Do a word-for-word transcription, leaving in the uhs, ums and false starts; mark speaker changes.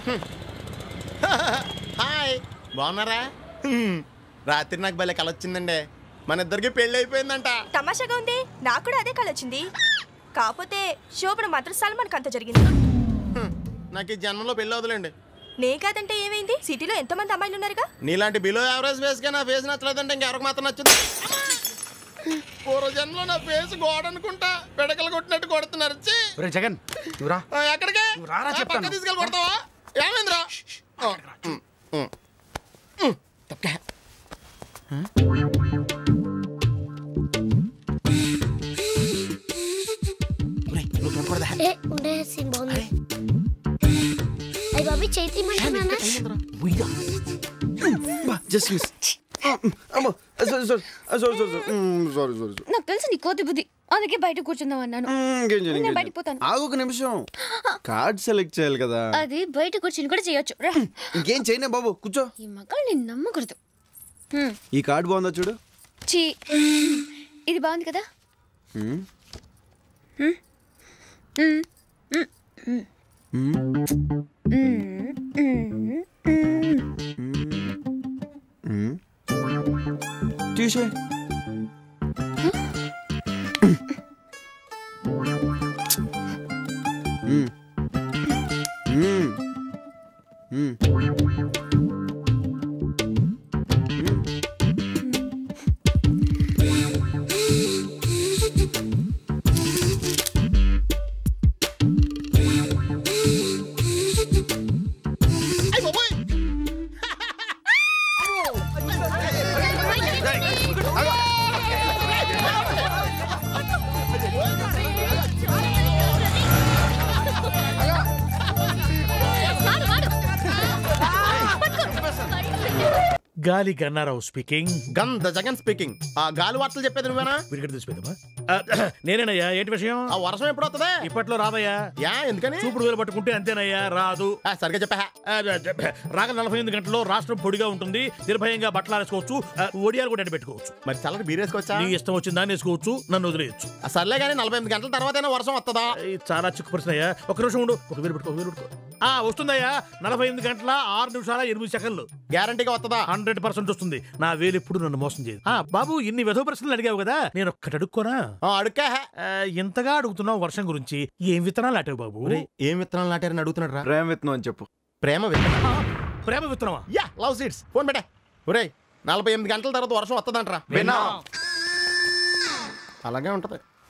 Speaker 1: Hi, బాగున్నారా? రాత్రి నాకు భలే కల వచ్చిందండి. మన ఇద్దరికి పెళ్లి అయిపోయిందంట.
Speaker 2: తమాషాగా ఉంది, నాకు కూడా అదే కల వచ్చింది. కాకపోతే శోభన మాత్రం సల్మాన్ అంత జరిగింది.
Speaker 1: నాకు ఈ జన్మలో పెళ్లి వదలండి.
Speaker 2: నే కాదంటే ఏమైంది? సిటీలో ఎంతమంది అమ్మాయిలు ఉన్నారుగా.
Speaker 1: నీలాంటి బిలో యావరేజ్ ఫేస్ గా నా ఫేస్ నచ్చలేదంటే ఇంకెవరికి మాత్రం నచ్చింది? పూర్వ జన్మలో నా ఫేస్ గోడ అనుకుంటా పిడకలు కొట్టినట్టు కొడుతున్నారు.
Speaker 3: జగన్
Speaker 1: ఎక్కడికి పక్క తీసుకెళ్ళి కొడతావా? ఏమైందిరా?
Speaker 4: నాకు తెలుసు నీ కోతి బుద్ధి, అందుకే బయట కూర్చుందాం అన్నాను. బయటకు పోతాను.
Speaker 3: ఆగు ఒక నిమిషం, కార్డ్ సెలెక్ట్ చేయాలి కదా.
Speaker 4: అది బయట కూర్చుని కూడా చేయొచ్చు.
Speaker 3: ఇంకేం చేయనే బాబు, కూర్చో.
Speaker 4: ఈ మగాళ్ళు నేను నమ్మకూడదు.
Speaker 3: ఈ కార్డ్ బాగుందా చూడు.
Speaker 4: చీ, ఇది బాగుంది కదా.
Speaker 3: తీసే
Speaker 5: గాలి గన్నారావు స్పీకింగ్.
Speaker 1: గంధ జగన్ స్పీకింగ్. ఆ గాలి వార్తలు చెప్పేది నువ్వేనా?
Speaker 5: విడిగడ తీసిపోయిందమ్మా. నేనేనయ్యా. ఏంటి విషయం?
Speaker 1: ఆ వర్షం ఎప్పుడు వస్తుందా?
Speaker 5: ఇప్పట్లో రాదయ్యా.
Speaker 1: యా ఎందుకని?
Speaker 5: చూపుడు వేలు పట్టుకుంటే అంతేనయ్యా, రాదు.
Speaker 1: సరిగ్గా చెప్పా.
Speaker 5: రాగల నలభై ఎనిమిది గంటల్లో రాష్ట్రం పొడిగా ఉంటుంది, నిర్భయంగా బట్టలు వేసుకోవచ్చు, ఒడియాలు కూడా పెట్టుకోవచ్చు.
Speaker 1: మరి చల్లటి బీర్ వేసుకోవచ్చా?
Speaker 5: నీ ఇష్టం వచ్చిన దాన్ని వేసుకోవచ్చు, నన్ను వదిలేయచ్చు.
Speaker 1: సర్లే కానీ నలభై ఎనిమిది గంటల తర్వాత వర్షం వస్తుందా?
Speaker 5: చాలా చిక్కు ప్రశ్న అయ్యా. ఒక నిమిషం ఉండు. ఒక వేలు పెట్టుకో, వేలు పెట్టుకో. ఆ వస్తుందయ్యా. నలభై ఎనిమిది గంటల ఆరు నిమిషాల ఎనిమిది సెకండ్లు
Speaker 1: గ్యారంటీగా వస్తుందా?
Speaker 5: హండ్రెడ్ పర్సెంట్ వస్తుంది. నా వేలు ఎప్పుడు నన్ను మోసం చేయదు. బాబు, ఇన్ని వెధవ ప్రశ్నలు అడిగావు కదా, నేను ఒక్కటి అడుక్కోనా?
Speaker 1: అడుక్కా.
Speaker 5: ఇంతగా అడుగుతున్నావు వర్షం గురించి. ఏం విత్తనాలు నాటావు బాబు?
Speaker 1: ఏం విత్తనాలు నాటారని అడుగుతున్నాడు రా.
Speaker 3: ప్రేమ విత్తనం అని చెప్పు.
Speaker 1: ప్రేమ విత్తనం?
Speaker 5: ప్రేమ విత్తనమా?
Speaker 1: Yeah, love seeds. ఫోన్ పెట్టే. ఒరేయ్, నలభై ఎనిమిది గంటల తర్వాత వర్షం వస్తుందంటరా. అలాగే ఉంటది.